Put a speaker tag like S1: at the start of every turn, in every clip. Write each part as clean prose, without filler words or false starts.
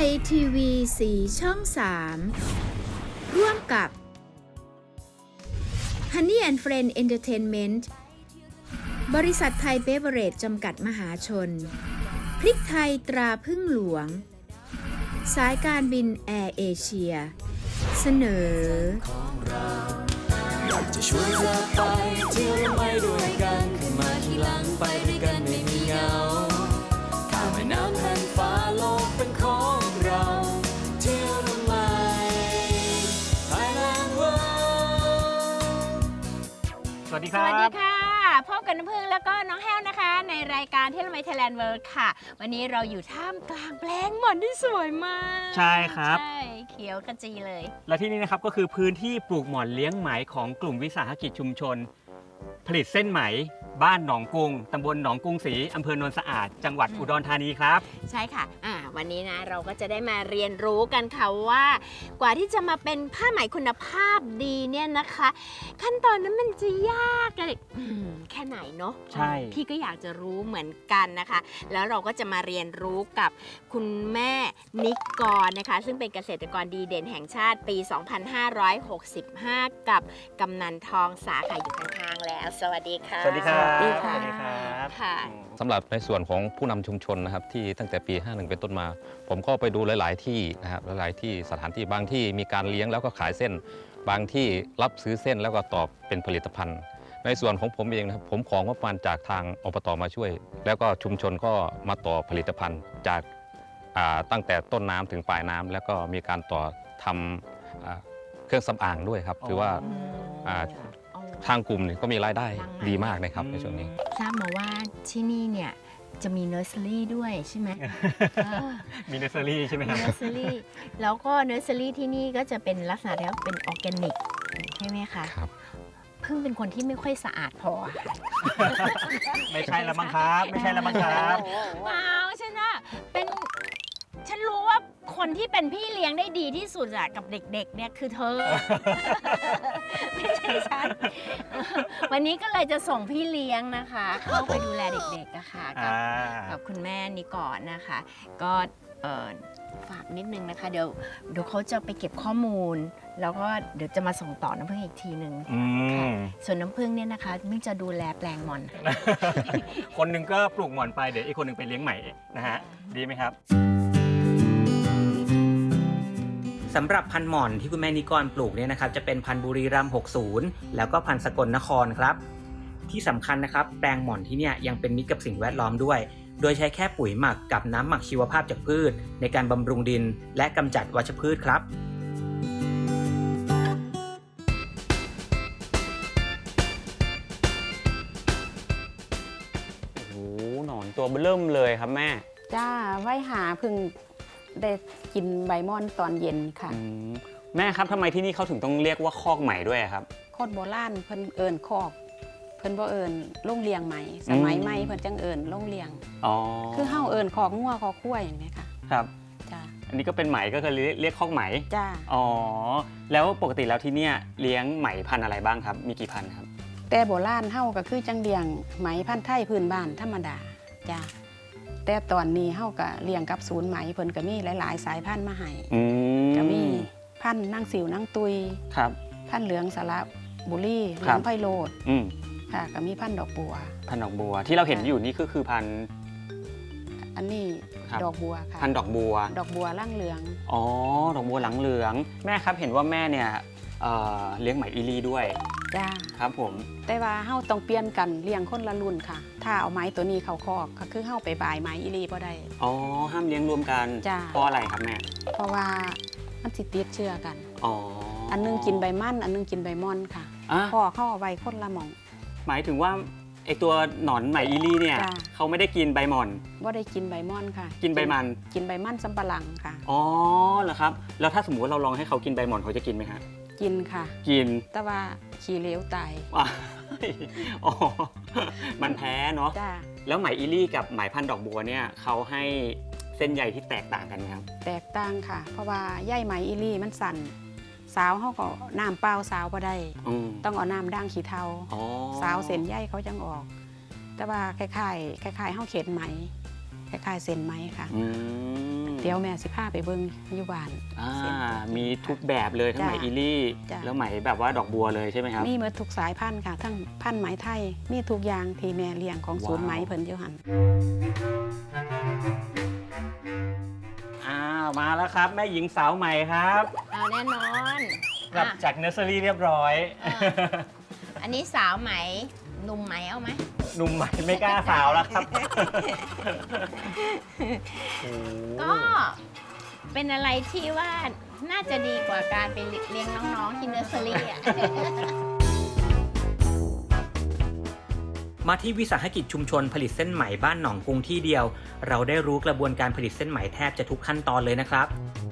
S1: ยทีวีสีช่อง 3 ร่วมกับ Honey and Friend Entertainment บริษัทไทยเบเวอเรจจำกัดมหาชน พริกไทยตราพึ่งหลวง สายการบินแอร์เอเชีย เสนอ
S2: อยากจะชวนเธอไปเที่ยวและไม่ด้วยกันขึ้นมาทีหลังไปด้วยกันไม่มีเหงาข้ามแม่น้ำแผ่านฟ้าโลกเป็นของเราเที่ยวทำไม Thailand World
S3: สวัสดีค
S4: ส
S3: รับ
S4: วัสดีค่ะพบกับน้ำพึ่งแล้วก็น้องแห้วนะคะ ในรายการเที่ยวละไมไทยแลนด์เวิลด์ค่ะ วันนี้เราอยู่ท่ามกลางแปลงหม่อนที่สวยมาก
S3: ใช่ครับ
S4: ใช่เขียวกระจีเลย
S3: และที่นี่นะครับก็คือพื้นที่ปลูกหม่อนเลี้ยงไหมของกลุ่มวิสาหกิจชุมชน ผลิตเส้นไหมบ้านหนองกรุงตำบลหนองกรุงศรีอำเภอโนนสะอาดจังหวัดอุดรธานีครับ
S4: ใช่ค่ะวันนี้นะเราก็จะได้มาเรียนรู้กันค่ะว่า กว่าที่จะมาเป็นผ้าไหมคุณภาพดีเนี่ยนะคะ ขั้นตอนนั้นมันจะยากอะไรแค่ไหนเนาะ
S3: ใช่
S4: พี่ก็อยากจะรู้เหมือนกันนะคะ แล้วเราก็จะมาเรียนรู้กับคุณแม่นิกรนะคะ ซึ่งเป็นเกษตรกรดีเด่นแห่งชาติปี 2565 กับกำนันทองสาขาอยู่ข้างๆแล้ว สวัสดีค่ะ
S3: สวัสดีครับ
S4: สวัสดีค่ะ
S3: สวัสดีครับ
S4: ค่ะ
S5: สำหรับในส่วนของผู้นำชุมชนนะครับที่ตั้งแต่ปี 51 เป็นต้นมา ผมก็ไปดูหลาย ๆ ที่นะครับหลายๆที่สถานที่บางที่มีการเลี้ยงแล้วก็ขายเส้น บางที่รับซื้อเส้นแล้วก็ตอบเป็นผลิตภัณฑ์ ในส่วนของผมเองนะครับผมของงบประมาณจากทางอบตมาช่วย แล้วก็ชุมชนก็มาต่อผลิตภัณฑ์จากตั้งแต่ต้นน้ำถึงปลายน้ำแล้วก็มีการต่อทำเครื่องสำอางด้วยครับถือว่าทางกลุ่มนี่ก็มีรายได้ดีมากนะครับในช่วงนี้
S4: ทราบมาว่าที่นี่เนี่ยจะมีเนอร์เซอรี่ด้วยใช่ไหม
S3: มีเนสเซอรี่ใช่ไหมค
S4: มี
S3: รับ
S4: เนอร์เซอรี่แล้วก็เนอร์เซอรี่ที่นี่ก็จะเป็นลักษณะแล้วเป็นออร์แกนิกใช่ไหมคะ
S5: ครับ
S4: เพิ่งเป็นคนที่ไม่ค่อยสะอาดพอ
S3: ไม่ใช่ละมั้งครับ ไม่ใช่ละมั้งครับ
S4: เปล่าฉันอะเป็นฉันรู้ว่าคนที่เป็นพี่เลี้ยงได้ดีที่สุดอะกับเด็กๆเนี่ยคือเธอ ไม่ใช่ฉัน วันนี้ก็เลยจะส่งพี่เลี้ยงนะคะ เข้าไปดูแลเด็กๆอะค่ะกับคุณแม่นิกรนะคะ ก็ฝากนิดนึงนะคะ เดี๋ยวเขาจะไปเก็บข้อมูล แล้วก็เดี๋ยวจะมาส่งต่อน้ำพึ่งอีกทีหนึ่ง ค่ะส่วนน้ำพึ่งเนี่ยนะคะมึงจะดูแลแปลงหม่อน
S3: คนหนึ่งก็ปลูกหม่อนไปเดี๋ยวอีกคนหนึ่งไปเลี้ยงไหมนะฮะดีไหมครับสำหรับพันธุ์หม่อนที่คุณแม่นิกรปลูกเนี่ยนะครับจะเป็นพันธุ์บุรีรัมย์60แล้วก็พันธุ์สกลนครครับที่สำคัญนะครับแปลงหม่อนที่เนี่ยยังเป็นมิตรกับสิ่งแวดล้อมด้วยโดยใช้แค่ปุ๋ยหมักกับน้ำหมักชีวภาพจากพืชในการบำรุงดินและกำจัดวัชพืชครับโอ้โหหนอนตัวเบิ่มเลยครับแม่
S6: จ้าไว้หาเพึ่งได้กินใบม่อนตอนเย็นค่ะ
S3: แม่ครับทำไมที่นี่เขาถึงต้องเรียกว่าคอกไหมด้วยครับ
S6: โคตรโบราณเพิ่นเอิญคอก เพิ่นบ่เอิญโรงเลี้ยงไหมสมัยใหม่เพิ่นจังเอิญโรงเลี้ยง
S3: อ๋อ
S6: คือเฮาเอิญคอกงัวคอกควายอย่างนี้ค่ะ
S3: ครับ
S6: จ้า
S3: อันนี้ก็เป็นไหมก็คือเรียกคอกไหม
S6: จ้า
S3: อ๋อแล้วปกติแล้วที่เนี่ยเลี้ยงไหมพันธุ์อะไรบ้างครับมีกี่พันธุ์ครับ
S6: แต่โบราณเฮาก็คือจังเลี้ยงไหมพันธุ์ไทยพื้นบ้านธรรมดาจ้าแต่ตอนนี้เฮาก็เลี้ยงกับศูนย์ไหมเพิ่นก็มีหลายๆ สายพันธุ์มาให้ก็มีพันธุ์นางสิวนางตุย
S3: ครับ
S6: พันธุ์เหลืองสระบุรีเหลื
S3: ครั
S6: อบ งไพโรด
S3: อืม
S6: ค่ะก็มีพันธุ์ดอกบัว
S3: พันธุ์ดอกบัวที่เราเห็นอยู่นี่ก็คือพันธุ์
S6: อันนี้
S3: ครับ
S6: ดอกบัวค่ะ
S3: พันธุ์ดอกบัว
S6: ดอกบัวร่างเหลือง
S3: อ๋อดอกบัวหลังเหลืองแม่ครับเห็นว่าแม่เนี่ยเลี้ยงไหมอีลีด้วย
S6: จ้า
S3: ครับผม
S6: แต่ว่าเฮาต้องเปลี่ยนกันเลี้ยงคนละรุ่นค่ะ ถ้าเอาไม้ตัวนี้เข้าคอกก็คือเฮาไปบายไม้อีหลีบ่ได้
S3: อ๋อห้ามเลี้ยงรวมกัน
S6: จ้ะ
S3: เพราะอะไรครับแม่
S6: เพราะว่ามันสิติดเชื้อกัน
S3: อ๋อ
S6: อันนึงกินใบมันอันนึงกินใบม่อนค่ะ
S3: อ่ะ
S6: พ่อเข้าเอาไว้คนละหม่อง
S3: หมายถึงว่าไอตัวหนอนไหมอีลีเนี่ย
S6: จ้ะ
S3: เขาไม่ได้กินใบหม่อน
S6: บ่ได้กินใบม่อนค่ะ
S3: กินใบมัน
S6: กินใบมันสำปะหลังค่ะ
S3: อ๋อเหรอครับแล้วถ้าสมมติว่าเราลองให้เขากินใบหม่อนเขาจะกินไหมฮะ
S6: กินค่ะ
S3: กิน
S6: แต่ว่าขี้เหลวตาย
S3: อ่ะ อ๋อมันแพ้เนาะ
S6: จ้า
S3: แล้วไหมอีลี่กับไหมพันธุ์ดอกบัวเนี่ยเขาให้เส้นใยที่แตกต่างกันไหมครับ
S6: แตกต่างค่ะ เพราะว่าใยไหมอีหลีมันสั่นสาวเฮาก็น้ำเปล่าสาวบ่ได้
S3: อืม
S6: ต้องเอาน้ำด่างขี้เทา
S3: อ๋อ
S6: สาวเส้นใยเขาจังออก แต่ว่าคล้ายๆเฮาเข็นไหมคล้ายๆเส้นไหมค่ะ
S3: อืม
S6: เดี๋ยวแม่สิพาไปเบิ่งอยู่บ้าน
S3: อ่า
S6: เส้น
S3: มีทุกแบบเลยทั้งไหม
S6: จ้ะ
S3: อีลี่
S6: จ้ะ
S3: แล้วไหมแบบว่าดอกบัวเลยใช่ไหมครับ
S6: มีหมดทุกสายพันธุ์ค่ะ ทั้งพันธุ์ไหมไทยมีทุกอย่างที่แม่เลี้ยงของศูนย์ไหม
S3: ว้าว
S6: เพิ่นอยู่หั่น
S3: อ้าวมาแล้วครับ แม่หญิงสาวใหม่ครับ
S4: เอาแน่นอน
S3: กลับ
S4: อ่ะ
S3: จากเนอร์เซอรี่เรียบร้อย
S4: อันนี้สาวไหมหนุ่มไหมเอาไหม
S3: หนุ่มใหม่ไม่กล้าสาวแล้วครับโอ้โห
S4: ก็เป็นอะไรที่ว่าน่าจะดีกว่าการไปเลี้ยงน้องๆที่เนอร์เซอรี่อ่ะ
S3: มาที่วิสาหกิจชุมชนผลิตเส้นไหมบ้านหนองกรุงที่เดียว เราได้รู้กระบวนการผลิตเส้นไหมแทบจะทุกขั้นตอนเลยนะครับ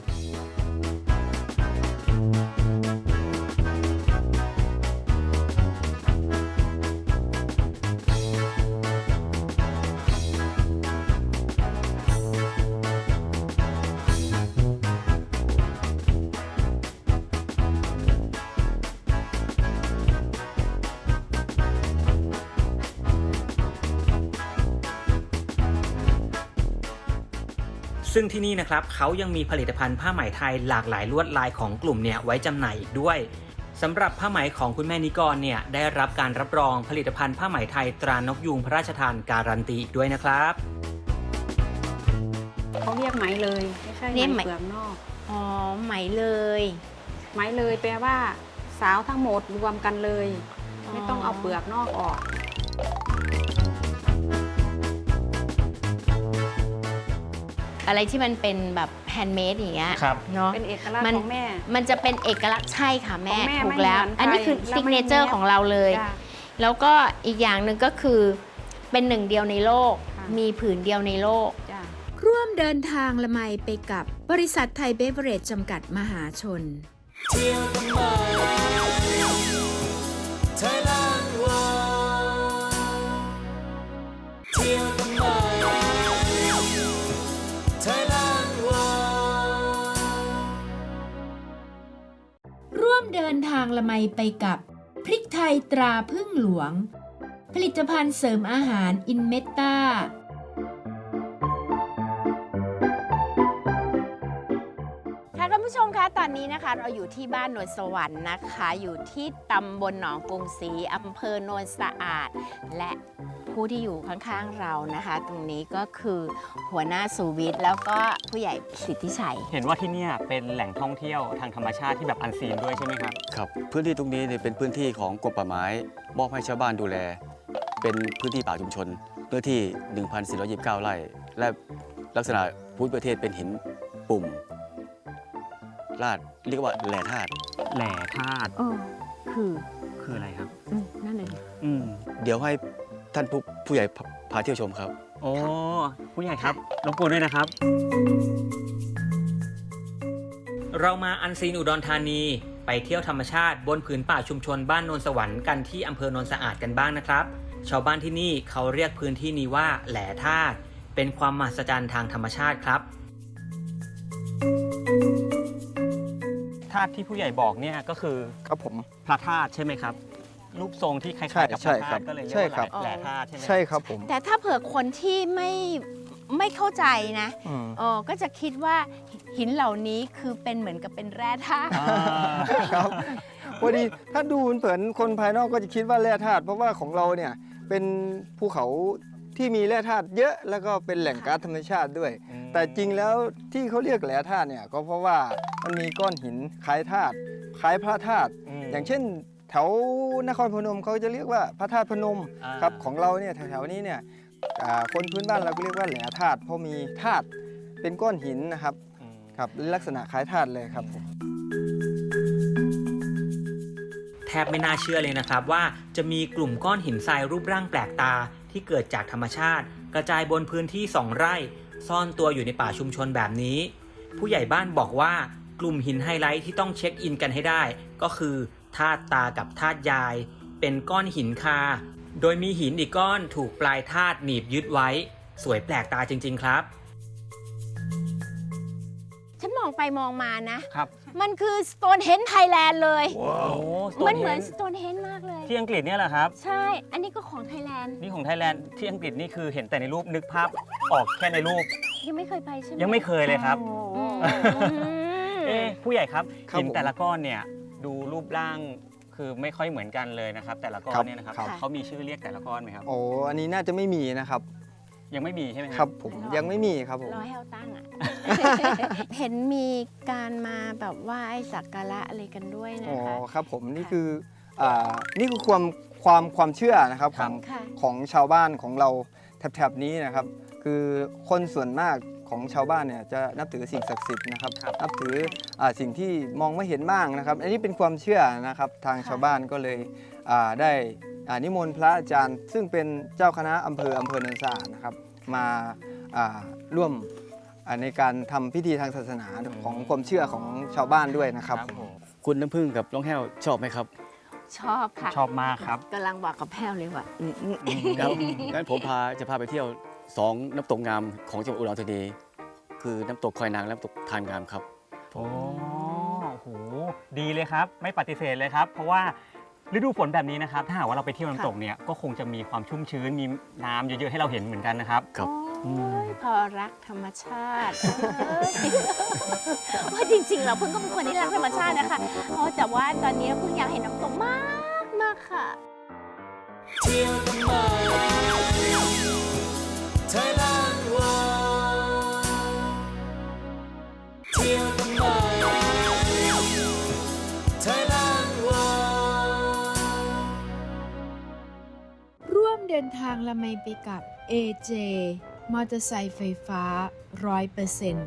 S3: ซึ่งที่นี่นะครับเขายังมีผลิตภัณฑ์ผ้าไหมไทยหลากหลายลวดลายของกลุ่มเนี่ยไว้จำหน่ายอีกด้วยสำหรับผ้าไหมของคุณแม่นิกรเนี่ยได้รับการรับรองผลิตภัณฑ์ผ้าไหมไทยตรานกยูงพระราชทานการันตีอีกด้วยนะครับ
S6: เขาเรียกไหมเลยไม่ใช่
S4: เรียก
S6: ไห
S4: ไห
S6: ม
S4: ม
S6: เปลือกนอก
S4: อ๋อไหมเลย
S6: ไหมเลยแปลว่าสาวทั้งหมดรวมกันเลย ไม่ต้องเอาเปลือกนอกออก
S4: อะไรที่มันเป็นแบบแฮนด์เมดอย่างเงี้ย
S3: ครับ
S4: เนาะ
S6: เป็นเอกลักษณ์ของแม่
S4: มันจะเป็นเอกลักษณ์ใช่ค่ะแม่
S6: ของแม่
S4: ถูกแล้ว
S6: ไม่เหมือนใคร
S4: อันนี้คือ
S6: แล้ว
S4: ซิก
S6: ไม่
S4: เนเจอร์
S6: เนียบ
S4: ของเราเลย
S6: จ้ะ
S4: แล้วก็อีกอย่างหนึ่งก็คือเป็นหนึ่งเดียวในโลก
S6: ค่ะ
S4: มีผืนเดียวในโลก
S6: จ้ะ
S1: ร่วมเดินทางละไมไปกับบริษัทไทยเบเวอเรจจำกัดมหาชน
S2: เที่ยวทำไม Thailand World เที่ยวทำไม Thailand World
S1: ร่วมเดินทางละไมไปกับพริกไทยตราพึ่งหลวง ผลิตภัณฑ์เสริมอาหารอินเมตตา
S4: ค่ะคุณผู้ชมคะตอนนี้นะคะเราอยู่ที่บ้านโนนสวรรค์นะคะ อยู่ที่ตำบลหนองกรุงศรีอำเภอโนนสะอาด และผู้ที่อยู่ข้างๆเรานะคะ ตรงนี้ก็คือหัวหน้าสุวิทย์แล้วก็ผู้ใหญ่สิทธิชัย
S3: เห็นว่าที่เนี่ยเป็นแหล่งท่องเที่ยวทางธรรมชาติที่แบบอันซีนด้วยใช่ไหมครับ
S7: ครับพื้นที่ตรงนี้เนี่ยเป็นพื้นที่ของกรมป่าไม้มอบให้ชาวบ้านดูแล เป็นพื้นที่ป่าชุมชนเนื้อที่ 1,429 ไร่ และลักษณะภูมิประเทศเป็นหินปุ่มลาดเรียกว่าแหล่ธาตุ
S3: แหล่ธาตุ
S4: คือ
S3: คืออะไรครับ
S4: นั่นเลย
S3: อืม
S7: เดี๋ยวให้ท่านผู้ใหญ่พาเที่ยวชมครับ
S3: โอ้ผู้ใหญ่ครับรบกวนด้วยนะครับ เรามาอันซีนอุดรธานีไปเที่ยวธรรมชาติบนผืนป่าชุมชนบ้านโนนสวรรค์กันที่อำเภอโนนสะอาดกันบ้างนะครับ ชาวบ้านที่นี่เขาเรียกพื้นที่นี้ว่าแหล่ธาตุเป็นความมหัศจรรย์ทางธรรมชาติครับธาตุที่ผู้ใหญ่บอกเนี่ยก็คือ
S8: ครับผม
S3: พระธาตุใช่ไหมครับ รูปทรงที่คล้ายๆกับพ
S8: ใช่
S3: ระ
S8: ครั
S3: ธา
S8: บ
S3: ตุก็เลยเรียก
S8: ใช่
S3: ว่า
S8: ครับ
S3: แหล่ธาตุใช่ไหม
S8: ใช่ครับผม
S4: แต่ถ้าเผื่อคนที่ไม่เข้าใจนะ
S8: อืม
S4: ก็จะคิดว่าหินเหล่านี้คือเป็นเหมือนกับเป็นแร่ธาตุ
S3: อ่า
S8: ครับพอดีถ้าดูเผินๆคนภายนอกก็จะคิดว่าแร่ธาตุเพราะว่าของเราเนี่ยเป็นภูเขาที่มีแร่ธาตุเยอะแล้วก็เป็นแหล่งก๊าซธรรมชาติด้วย แต่จริงแล้วที่เขาเรียกแร่ธาตุเนี่ยก็เพราะว่ามันมีก้อนหินคล้ายธาตุคล้ายพระธาตุอย่างเช่น แถวนครพนมเขาจะเรียกว่าพระธาตุพนม
S3: อ่า
S8: ครับของเราเนี่ยแถวๆนี้เนี่ยคนพื้นบ้านเราก็เรียกว่าแหล่ธาตุเพราะมีธาตุเป็นก้อนหินนะครับ ครับลักษณะคล้ายธาตุเลยครับผม
S3: แทบไม่น่าเชื่อเลยนะครับว่าจะมีกลุ่มก้อนหินทรายรูปร่างแปลกตาที่เกิดจากธรรมชาติ กระจายบนพื้นที่ 2 ไร่ ซ่อนตัวอยู่ในป่าชุมชนแบบนี้ ผู้ใหญ่บ้านบอกว่ากลุ่มหินไฮไลท์ที่ต้องเช็คอินกันให้ได้ ก็คือธาตุตากับธาตุยาย เป็นก้อนหินคา โดยมีหินอีกก้อนถูกปลายธาตุหนีบยึดไว้ สวยแปลกตาจริงๆครับ
S4: ฉันมองไปมองมานะครับ มันคือ Stonehenge Thailand เลย
S3: โอ้
S4: มันเหมือน
S3: Stonehenge
S4: Stonehenge มากเลย
S3: ที่อังกฤษเนี่ยแหละครับ
S4: ใช่ อันนี้ก็ของไทยแลนด์
S3: นี่ของไทยแลนด์ที่อังกฤษนี่คือเห็นแต่ในรูปนึกภาพออกแค่ในรูป
S4: ยังไม่เคยไปใช่ไหม
S3: ยังไม่เคยเลยครับ
S4: อืม
S3: ผู้ใหญ่ครับ
S8: ครับ
S3: หิน
S8: ผม
S3: แต่ละก้อนเนี่ยดูรูปร่างคือไม่ค่อยเหมือนกันเลยนะครับ แต่ละก้อ
S8: ครั
S3: น
S8: บ
S3: เนี่ยนะครับ
S8: ครับ
S3: เขามีชื่อเรียกแต่ละก้อนไหมครับ
S8: โอ้อันนี้น่าจะไม่มีนะครับ
S3: ยังไม่มีใช่ไหม
S8: ครับผมยังไม่มีครับผม
S4: รอให้เอาตั้งอ่ะ เห็นมีการมาแบบไหว้สักการะอะไรกันด้วยนะ
S8: อ๋อ
S4: คะ
S8: ครับผมนี่คือนี่คือความเชื่อนะครับของ
S4: ค่ะ
S8: ของชาวบ้านของเราแถบๆนี้นะครับ คือคนส่วนมากของชาวบ้านเนี่ยจะนับถือสิ่งศักดิ์สิทธิ์นะครับ นับถือสิ่งที่มองไม่เห็นบ้างนะครับ อันนี้เป็นความเชื่อนะครับทางชาวบ้านก็เลยได้นิมนต์พระอาจารย์ ซึ่งเป็นเจ้าคณะอำเภอโนนสะอาดนะครับมาร่วมในการทำพิธีทางศาสนาของความเชื่อของชาวบ้านด้วยนะครับ
S3: ผม
S7: คุณน้ำพึ่งกับน้องแห้วชอบไหมครับ
S4: ชอบค่ะ
S3: ชอบมากครับ
S4: กำลังบอกกับแพ้วเลยว่า
S7: ครับงั้นผมจะพาไปเที่ยว 2 น้ำตกงามของจังหวัดอุดรธานีคือน้ำตกคอยนางและน้ำตกทานงามครับ
S3: โอ้โหดีเลยครับ ไม่ปฏิเสธเลยครับ เพราะว่าฤดูฝนแบบนี้นะครับ ถ้าหากว่าเราไปเที่ยวน้ำตกเนี่ยก็คงจะมีความชุ่มชื้นมีน้ำเยอะๆให้เราเห็นเหมือนกันนะครับ
S7: ครับ
S4: โอ้ยพอรักธรรมชาติว่าจริงๆเราเพิ่งก็เป็นคนที่รักธรรมชาตินะคะแต่ว่าตอนนี้เพิ่งอยากเห็นน้ำตกมากมากค่ะ
S2: เที่ยวกันมา Thailand World เที่ยวกันมา Thailand World
S1: ร่วมเดินทางละไมไปกับ AJ มอเตอร์ไซค์ไฟฟ้า 100%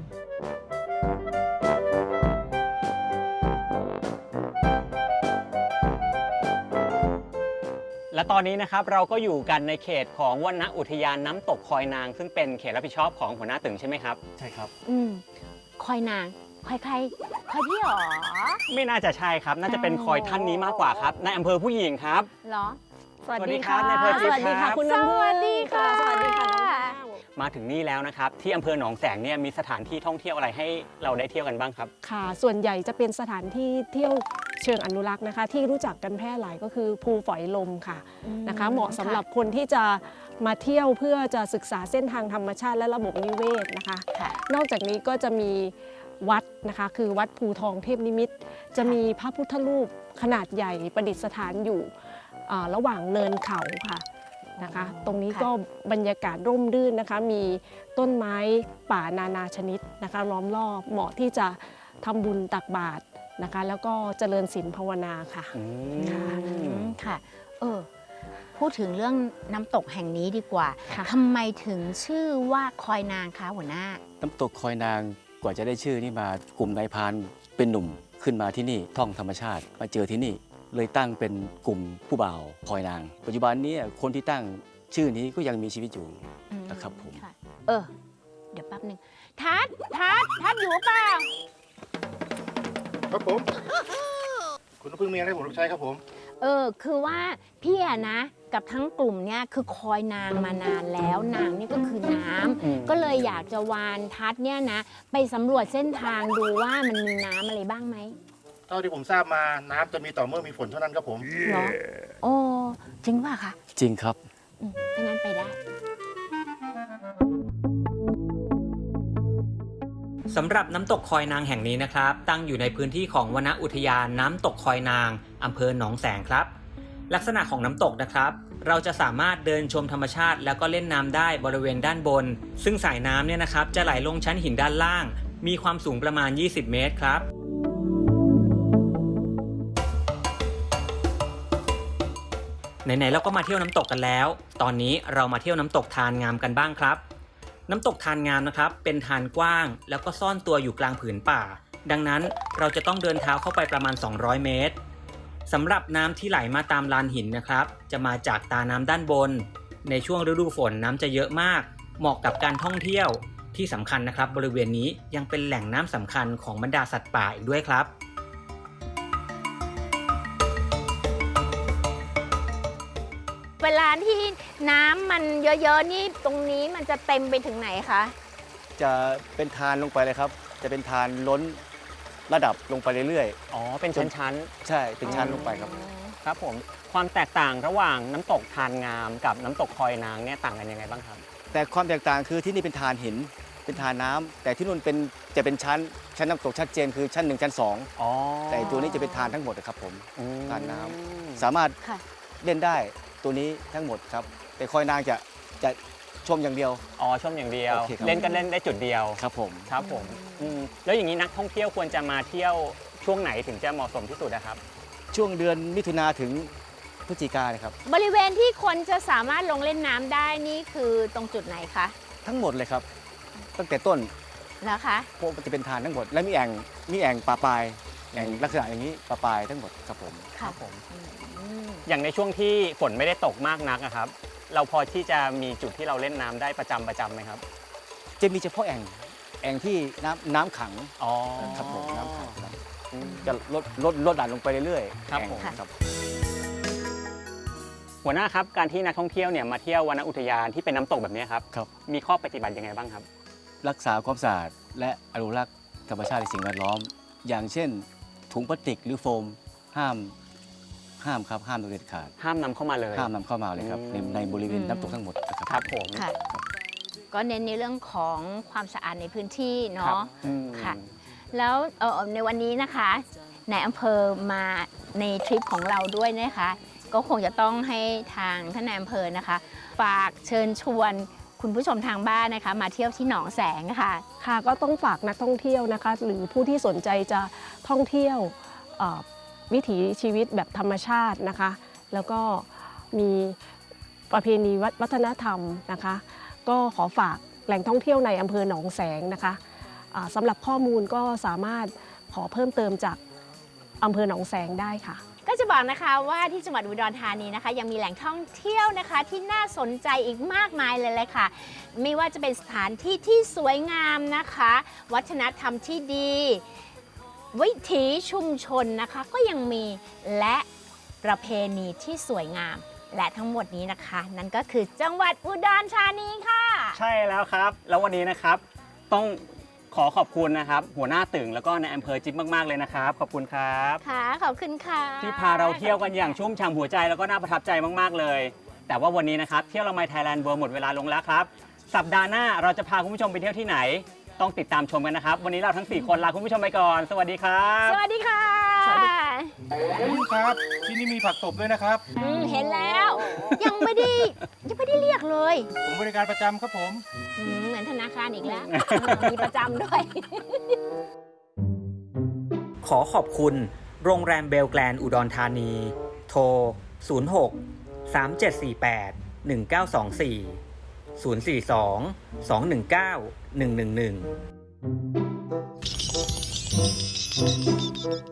S3: และตอนนี้นะครับเราก็อยู่กันในเขตของวนอุทยานน้ำตกคอยนาง ซึ่งเป็นเขตรับผิดชอบของหัวหน้าตึงใช่ไหมครับ ใช่ครับ
S4: คอยนาง คอยใคร คอยพี่หรอ
S3: ไม่น่าจะใช่ครับ น่าจะเป็นคอยท่านนี้มากกว่าครับในอำเภอผู้หญิงครับ
S4: เหรอ
S3: สวัสดีครับนายเพอร์ทิพย์
S4: สวัสดีค่ะ
S3: ครับ
S4: คุณน้ำพึ่ง
S6: สวัสดีค่ะ
S4: สวัสดีค่ะน้องแพรว
S3: มาถึงนี่แล้วนะครับ ที่อำเภอหนองแสงเนี่ยมีสถานที่ท่องเที่ยวอะไรให้เราได้เที่ยวกันบ้างครับ
S9: ค่ะส่วนใหญ่จะเป็นสถานที่เที่ยวเชิงอนุรักษ์นะคะ ที่รู้จักกันแพร่หลายก็คือภูฝอยลมค่ะนะคะเหมาะสำหรับคนที่จะมาเที่ยวเพื่อจะศึกษาเส้นทางธรรมชาติและระบบนิเวศนะคะ
S4: ค่ะ
S9: นอกจากนี้ก็จะมีวัดนะคะคือวัดภูทองเทพนิมิตรจะมีพระพุทธรูปขนาดใหญ่ประดิษฐานอยู่ระหว่างเนินเขาค่ะนะคะ ตรงนี้ก็บรรยากาศร่มรื่นนะคะ มีต้นไม้ป่านานาชนิดนะคะล้อมรอบเหมาะที่จะทำบุญตักบาตรนะคะ แล้วก็เจริญศีลภาวนาค่ะ
S4: ค่ะ พูดถึงเรื่องน้ำตกแห่งนี้ดีกว่า
S9: ค่ะ
S4: ทำไมถึงชื่อว่าคอยนางคะหัวหน้า
S7: น้ำตกคอยนางกว่าจะได้ชื่อนี่มากลุ่มนายพรานเป็นหนุ่มขึ้นมาที่นี่ท่องธรรมชาติมาเจอที่นี่เลยตั้งเป็นกลุ่มผู้บ่าวคอยนาง ปัจจุบันนี้คนที่ตั้งชื่อนี้ก็ยังมีชีวิตอยู่นะครับผม
S4: ค่ะ เดี๋ยวแป๊บหนึ่งทัดอยู่เปล่า
S10: ครับผม คุณน้ำพึ่งมีอะไรให้ผมรับใช้ครับผม
S4: คือว่าพี่อะนะ กับทั้งกลุ่มเนี่ยคือคอยนางมานานแล้วนางนี่ก็คือน้ำก็เลยอยากจะวานทัดเนี่ยนะ ไปสำรวจเส้นทางดูว่ามันมีน้ำอะไรบ้างไหม
S10: เท่าที่ผมทราบมาน้ำจะมีต่อเมื่อมีฝนเท่านั้นครับผม
S4: เหรอโอ้จริงป่ะคะ
S7: จริงครับ
S4: ถ้างั้นไปได้
S3: สำหรับน้ำตกคอยนางแห่งนี้นะครับ ตั้งอยู่ในพื้นที่ของวนอุทยานน้ำตกคอยนางอำเภอหนองแสงครับ ลักษณะของน้ำตกนะครับ เราจะสามารถเดินชมธรรมชาติแล้วก็เล่นน้ำได้บริเวณด้านบน ซึ่งสายน้ำเนี่ยนะครับจะไหลลงชั้นหินด้านล่าง มีความสูงประมาณ 20 เมตรครับ ไหนๆเราก็มาเที่ยวน้ำตกกันแล้ว ตอนนี้เรามาเที่ยวน้ำตกทานงามกันบ้างครับ น้ำตกทานงามนะครับเป็นทานกว้างแล้วก็ซ่อนตัวอยู่กลางผืนป่า ดังนั้นเราจะต้องเดินเท้าเข้าไปประมาณ200 เมตรสำหรับน้ำที่ไหลมาตามลานหินนะครับจะมาจากตาน้ำด้านบนในช่วงฤดูฝนน้ำจะเยอะมากเหมาะกับการท่องเที่ยวที่สำคัญนะครับบริเวณนี้ยังเป็นแหล่งน้ำสำคัญของบรรดาสัตว์ป่าอีกด้วยครับ
S4: เวลาที่น้ำมันเยอะๆนี่ตรงนี้มันจะเต็มไปถึงไหนคะ
S7: จะเป็นทานลงไปเลยครับจะเป็นทานล้นระดับลงไปเรื่อย
S3: อ๋อ เป็นชั้น
S7: ๆ ใช่เป็นชั้นลงไปครับ
S3: ๆ ครับผม ความแตกต่างระหว่างน้ำตกทานงามกับน้ำตกคอยนางเนี่ยต่างกันยังไงบ้างครับ
S7: แต่ความแตกต่างคือที่นี่เป็นทานหินเป็นทานน้ำแต่ที่นู่นจะเป็นชั้นน้ำตกชัดเจนคือชั้น 1 ชั้น
S3: อ๋อ
S7: 2 แต่ตัวนี้จะเป็นทานทั้งหมดนะครับผม
S3: อืม
S7: ทานน้ำสามารถ
S4: ค่ะ
S7: เล่นได้ตัวนี้ทั้งหมดครับแต่คอยนางจะชมอย่างเดียว
S3: อ๋อชมอย่างเดียว
S7: โอเคครับ
S3: เล่นก็เล่นได้จุดเดียว
S7: ครับผม
S3: ครับผมแล้วอย่างนี้นักท่องเที่ยวควรจะมาเที่ยวช่วงไหนถึงจะเหมาะสมที่สุดนะครับ
S7: ช่วงเดือนมิถุนาถึงพฤศจิกายนครับ
S4: บริเวณที่คนจะสามารถลงเล่นน้ำได้นี่คือตรงจุดไหนคะ
S7: ทั้งหมดเลยครับ ตั้งแต่ต้น
S4: นะคะ
S7: พวกมันจะเป็นทานทั้งหมด และมีแอ่งปลาปลายแอ่งลักษณะอย่างนี้ปลาปลายทั้งหมดครับผม
S4: ค่ะ
S3: อย่างในช่วงที่ฝนไม่ได้ตกมากนักอะครับ เราพอที่จะมีจุดที่เราเล่นน้ำได้ประจำไหมครับ
S7: จะมีเฉพาะแอ่งที่น้ำขัง
S3: อ๋อ
S7: ครับผมน้ำขังครับจะลดดันลงไปเรื่อยๆ
S3: ครับผม
S7: แอ่งครับ
S3: หัวหน้าครับการที่นักท่องเที่ยวเนี่ยมาเที่ยววนอุทยานที่เป็นน้ำตกแบบนี้ครับ
S7: ครับ
S3: มีข้อปฏิบัติยังไงบ้างครับ
S7: รักษาความสะอาดและอนุรักษ์ธรรมชาติและสิ่งแวดล้อม อย่างเช่น ถุงพลาสติกหรือโฟมห้ามครับห้ามโดยเด็ดขาด
S3: ห้ามนำเข้ามาเลย
S7: ห้ามนำเข้ามาเลยครับในบริเวณน้ำตกทั้งหมดนะครับ
S3: ครับผม
S4: ค่ะ ก็เน้นในเรื่องของความสะอาดในพื้นที่
S3: ครับ
S4: เนาะ ค่ะ แล้วในวันนี้นะคะนายอำเภอมาในทริปของเราด้วยนะคะ ก็คงจะต้องให้ทางท่านนายอำเภอนะคะ ฝากเชิญชวนคุณผู้ชมทางบ้านนะคะ มาเที่ยวที่หนองแสงค่ะ
S9: ค่ะก็ต้องฝากนักท่องเที่ยวนะคะ หรือผู้ที่สนใจจะท่องเที่ยววิถีชีวิตแบบธรรมชาตินะคะ แล้วก็มีประเพณีวัฒนธรรมนะคะ ก็ขอฝากแหล่งท่องเที่ยวในอำเภอหนองแสงนะคะสำหรับข้อมูลก็สามารถขอเพิ่มเติมจากอำเภอหนองแสงได้ค่ะ
S4: ก็จะบอกนะคะว่าที่จังหวัดอุดรธานีนะคะ ยังมีแหล่งท่องเที่ยวนะคะที่น่าสนใจอีกมากมายเลยค่ะ ไม่ว่าจะเป็นสถานที่ที่สวยงามนะคะ วัฒนธรรมที่ดี วิถีชุมชนนะคะก็ยังมีและประเพณีที่สวยงาม และทั้งหมดนี้นะคะ นั่นก็คือจังหวัดอุดรธานีค่ะ
S3: ใช่แล้วครับ แล้ววันนี้นะครับต้องขอขอบคุณนะครับ หัวหน้าตึงแล้วก็ในอำเภอจิ๊บมากๆเลยนะครับ ขอบคุณครับ
S4: ค่ะ ขอบคุณค่ะ
S3: ที่พาเราเที่ยวกันอย่างชุ่มฉ่ำหัวใจแล้วก็น่าประทับใจมากๆเลย แต่ว่าวันนี้นะครับเที่ยวละไมไทยแลนด์เวิร์หมดเวลาลงแล้วครับ สัปดาห์หน้าเราจะพาคุณผู้ชมไปเที่ยวที่ไหน ต้องติดตามชมกันนะครับ วันนี้เราทั้ง 4 คนลาคุณผู้ชมไปก่อน สวัสดีครับ
S4: สวัสดีค่ะ
S10: ครับ ที่นี่มีผักตบด้วยนะครับ
S4: เห็นแล้ว ยังไม่ได้เรียกเลย
S10: ผมบริการประจำครับผม
S4: เหมือนธนาคารอีกแล้ว มีประจำด้วย
S3: ขอขอบคุณโรงแรมเบลแกลนอุดรธานี โทร 06 3748 1924 042 219 111